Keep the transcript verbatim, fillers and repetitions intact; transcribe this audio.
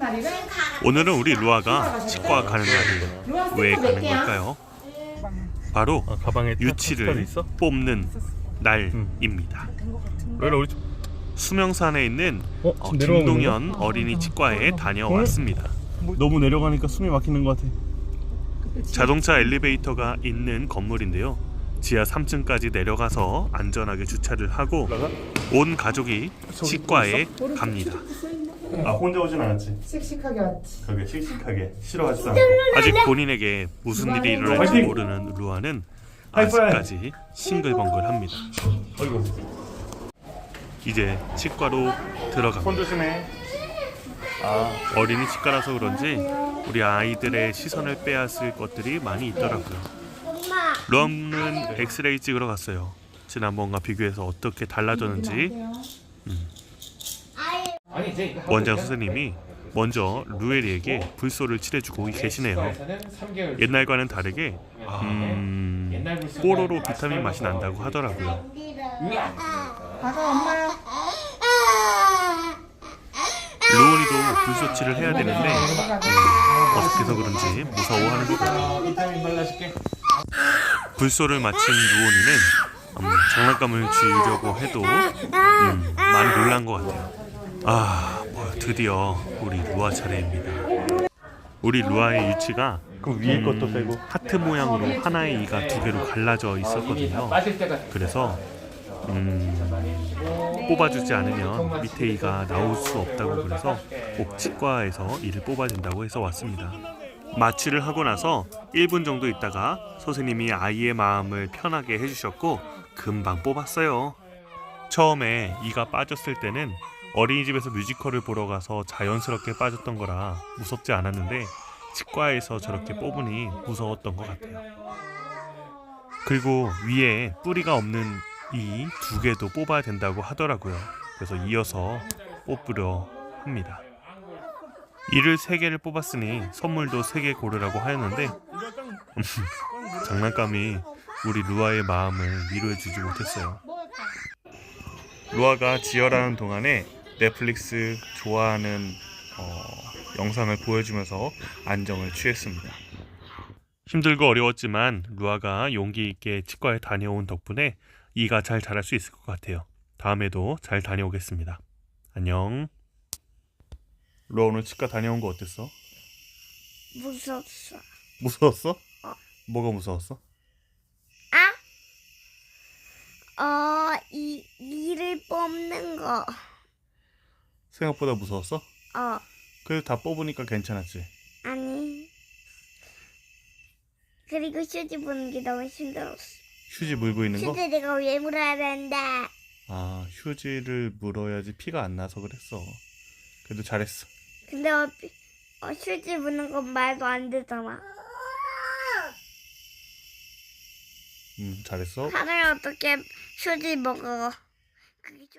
오늘은 우리 루아가 치과 가는 날이에요. 왜 가는 걸까요? 바로 아, 가방에 유치를 있어? 뽑는 날입니다. 왜 우리 수명산에 있는 어, 어, 지금 내려가고 김동현 있는 어린이 치과에 다녀왔습니다. 너무 내려가니까 숨이 막히는 것 같아. 자동차 엘리베이터가 있는 건물인데요. 지하 삼 층까지 내려가서 안전하게 주차를 하고 온 가족이 치과에 갑니다. 아, 혼자 오진 않았지? 씩씩하게 왔지. 그게 씩씩하게 싫어하지 않아. 아직 본인에게 무슨 일이 일어날지 화이팅! 모르는 루아는 하이파이브! 아직까지 싱글벙글합니다. 어이구. 이제 치과로 손 들어갑니다. 조심해. 아, 어린이 치과라서 그런지 우리 아이들의 시선을 빼앗을 것들이 많이 있더라고요. 루아는 엑스레이 찍으러 갔어요. 지난번과 비교해서 어떻게 달라졌는지 원장 선생님이 먼저 루엘이에게 불소를 칠해주고 계시네요. 옛날과는 다르게 음, 뽀로로 비타민 맛이 난다고 하더라고요. 가자 엄마야. 루온이도 불소치를 해야 되는데 어색해서 그런지 무서워하는 것 같아요. 비타민 발라줄게. 불소를 마친 루온이는 음, 장난감을 쥐려고 해도 음, 많이 놀란 것 같아요. 아, 뭐 드디어 우리 루아 차례입니다. 우리 루아의 유치가 그 위에 음, 것도 빼고. 하트 모양으로 하나의 이가 두 개로 갈라져 있었거든요. 그래서 음, 뽑아주지 않으면 밑에 이가 나올 수 없다고 그래서 꼭 치과에서 이를 뽑아준다고 해서 왔습니다. 마취를 하고 나서 일 분 정도 있다가 선생님이 아이의 마음을 편하게 해주셨고 금방 뽑았어요. 처음에 이가 빠졌을 때는 어린이집에서 뮤지컬을 보러 가서 자연스럽게 빠졌던 거라 무섭지 않았는데 치과에서 저렇게 뽑으니 무서웠던 것 같아요. 그리고 위에 뿌리가 없는 이 두 개도 뽑아야 된다고 하더라고요. 그래서 이어서 뽑으려 합니다. 이를 세 개를 뽑았으니 선물도 세 개 고르라고 하였는데 장난감이 우리 루아의 마음을 위로해주지 못했어요. 루아가 지혈하는 동안에 넷플릭스 좋아하는 어, 영상을 보여주면서 안정을 취했습니다. 힘들고 어려웠지만 루아가 용기 있게 치과에 다녀온 덕분에 이가 잘 자랄 수 있을 것 같아요. 다음에도 잘 다녀오겠습니다. 안녕. 루아 오늘 치과 다녀온 거 어땠어? 무섭어. 무서웠어? 어. 뭐가 무서웠어? 아? 어, 이, 이를 뽑는 거. 생각보다 무서웠어? 어, 그래도 다 뽑으니까 괜찮았지? 아니. 그리고 휴지 보는 게 너무 힘들었어. 휴지 물고 있는 거? 휴지 내가 왜 물어야 된다. 아, 휴지를 물어야지 피가 안 나서 그랬어. 그래도 잘했어. 근데 어, 어, 휴지 무는 건 말도 안 되잖아. 음, 잘했어. 하루에 어떻게 휴지 먹어.